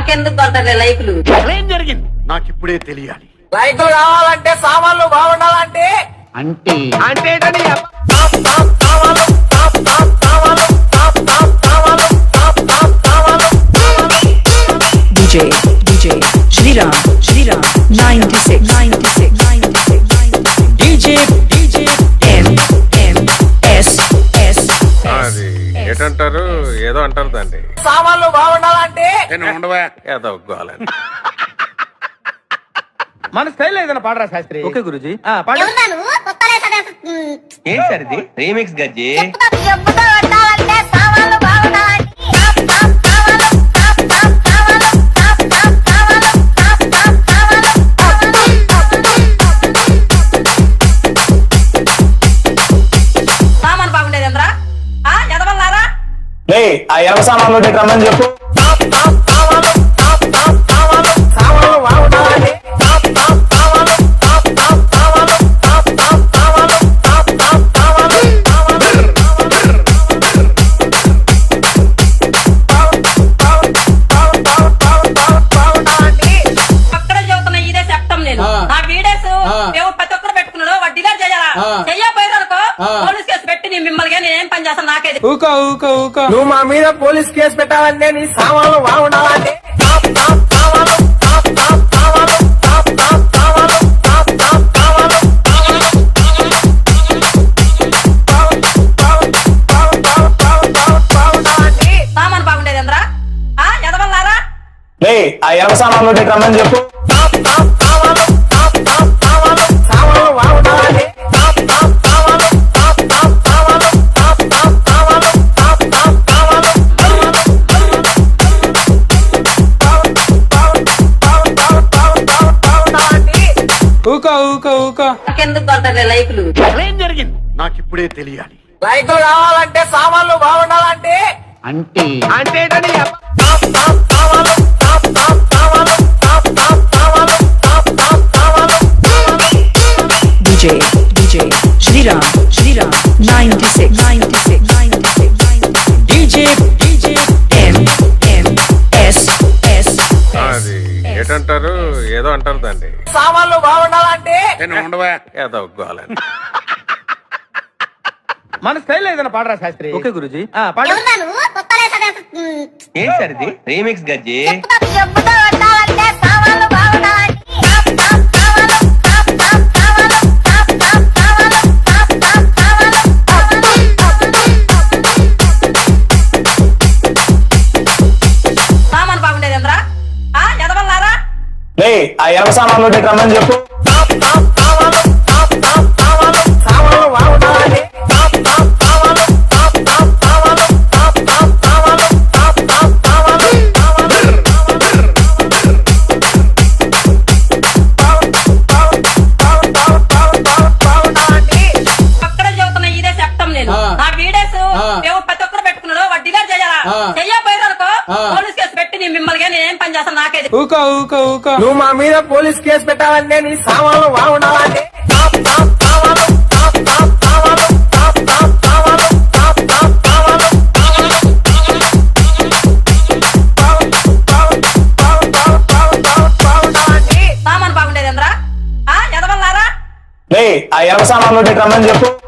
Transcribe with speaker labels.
Speaker 1: మాకెందుకు కొంటారులే లైకులు.
Speaker 2: ఏం జరిగింది నాకు ఇప్పుడే తెలియాలి.
Speaker 3: లైకులు కావాలంటే సామాన్లు బాగుండాలంటే
Speaker 2: అంటే
Speaker 4: అంటే
Speaker 5: DJ Shriram 96 DJ MS
Speaker 4: అది ఏంటంటారు, ఏదో అంటారు దాన్ని.
Speaker 3: సామాన్లు బాగుండాలంటే
Speaker 2: ఉండవా
Speaker 4: ఏదో ఒప్పుకోవాలని.
Speaker 6: మన స్టైల్ ఏదైనా పాడరా శాస్త్రి.
Speaker 7: ఓకే గురుజీ.
Speaker 6: ఏంటి సార్ ఇది రీమిక్స్ గజ్జి?
Speaker 1: సామాన్ బాగుండేది ఎంద్రా ఎదవల్లారా.
Speaker 3: ఆ ఎర్ర సామాన్లు రమ్మని చెప్పు. సామాన్లు బాగుండాలంటే
Speaker 1: అక్కడే చెబుతున్నా, ఇదే చెప్తాం నేను. నా వీడియోస్ ప్రతి ఒక్కరు పెట్టుకున్నాడు, వాడు డిలీట్ చేయాలా చెయ్యపోయారనుకో పోలీస్ కేసు పెట్టి నేను మిమ్మల్ని నేనేం పని చేస్తాను నాకేది.
Speaker 3: నువ్వు మా మీద పోలీస్ కేసు పెట్టాలంటే నీ సామాన్లు బాగుండాలంటే
Speaker 1: సామాన్ బాగుండేది ఎంద్రా ఎదవల్లారా.
Speaker 3: ఆ ఎర్ర సామాన్లు రమ్మని చెప్పు. సామాన్లు బాగుండాలంటే
Speaker 1: మాకెందుకు కొంటారులే లైకులు.
Speaker 2: ఏం జరిగింది నాకు ఇప్పుడే తెలియాలి.
Speaker 3: లైకులు కావాలంటే సామాన్లు బాగుండాలంటే
Speaker 2: అంటే
Speaker 4: అంటే
Speaker 5: DJ Shriram 96 DJ MS
Speaker 4: అది ఏంటంటారు, ఏదో అంటారు దాన్ని.
Speaker 3: సామాన్లు బాగుండాలంటే
Speaker 2: ఉండవా
Speaker 4: ఏదో ఒప్పుకోవాలని.
Speaker 6: మన స్టైల్ ఏదైనా పాడరా శాస్త్రి.
Speaker 7: ఓకే గురుజీ.
Speaker 6: ఏంటి సార్ ఇది రీమిక్స్ గజ్జి?
Speaker 1: సామాన్ బాగుండేది ఎంద్రా ఎదవల్లారా.
Speaker 3: ఆ ఎర్ర సామాన్లు రమ్మని చెప్పు. సామాన్లు బాగుండాలంటే
Speaker 1: అక్కడే చెబుతున్నా, ఇదే చెప్తాం నేను. నా వీడియోస్ ప్రతి ఒక్కరు పెట్టుకున్నాడు, వాడు డిలీట్ చేయాలా చెయ్యపోయారనుకో పోలీస్ కేసు పెట్టి నేను మిమ్మల్ని నేనేం పని చేస్తాను నాకేది.
Speaker 3: నువ్వు మా మీద పోలీస్ కేసు పెట్టాలంటే నీ సామాన్లు బాగుండాలంటే
Speaker 1: సామాన్ బాగుండేది ఎంద్రా ఎదవల్లారా.
Speaker 3: ఆ ఎర్ర సామాన్లు రమ్మని చెప్పు.